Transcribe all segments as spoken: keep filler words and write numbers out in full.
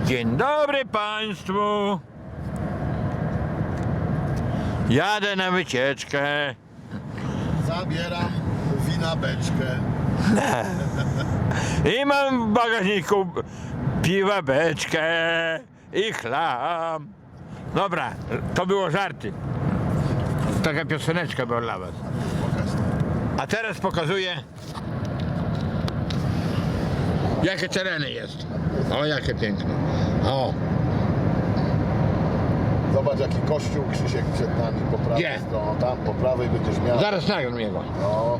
Dzień dobry Państwu. Jadę na wycieczkę. Zabieram wina beczkę. I mam w bagażniku piwa beczkę i chlam. Dobra, to było żarty. Taka pioseneczka była dla was. A teraz pokazuję, jakie tereny jest. O, jakie piękne. O, Zobacz jaki kościół, Krzysiek, przed nami po prawej Gdzie? stronie. Tam po prawej będziesz miał. zaraz nagram jego. No.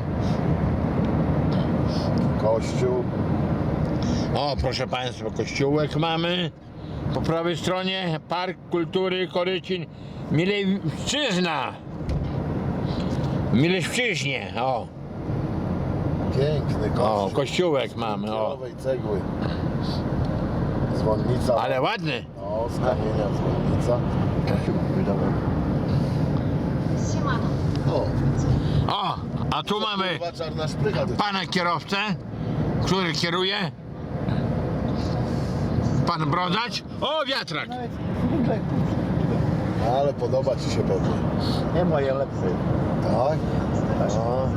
Kościół. O, proszę Państwa, kościółek mamy. Po prawej stronie Park Kultury Korycin Milewszczyzna. Milewszczyźnie, o. Piękny kościół. O, kościółek mamy, o. Białej cegły. Dzwonnica. Ale ładny. O, z kamienia dzwonnica. Siemano. O, O, a tu mamy kurwa, czarna szprycha. To pana kierowcę, który kieruje. Pan Brodacz. O, wiatrak. Ale podoba ci się pewnie. Nie moje lepsze. Tak? No.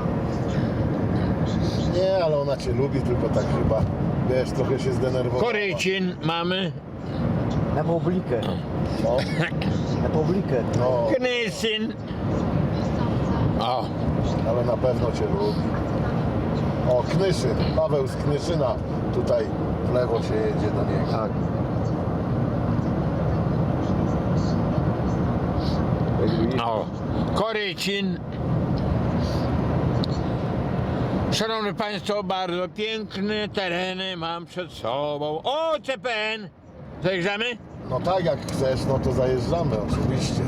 Nie, ale ona cię lubi, tylko tak chyba, wiesz, trochę się zdenerwowała. Korycin mamy. Na publikę. No, Na publikę. no, Knysyn. O, ale na pewno cię lubi. O, Knyszyn, Paweł z Knyszyna, tutaj w lewo się jedzie do niego. Tak. o. Korycin. Szanowni Państwo, bardzo piękne tereny mam przed sobą. O, C P N. Zajeżdżamy? No tak, jak chcesz, no to zajeżdżamy oczywiście.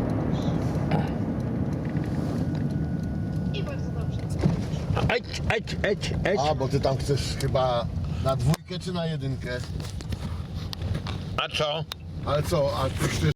I bardzo dobrze. Eć, eć, eć, eć. A, bo ty tam chcesz chyba na dwójkę czy na jedynkę? A co? Ale co, a ty chcesz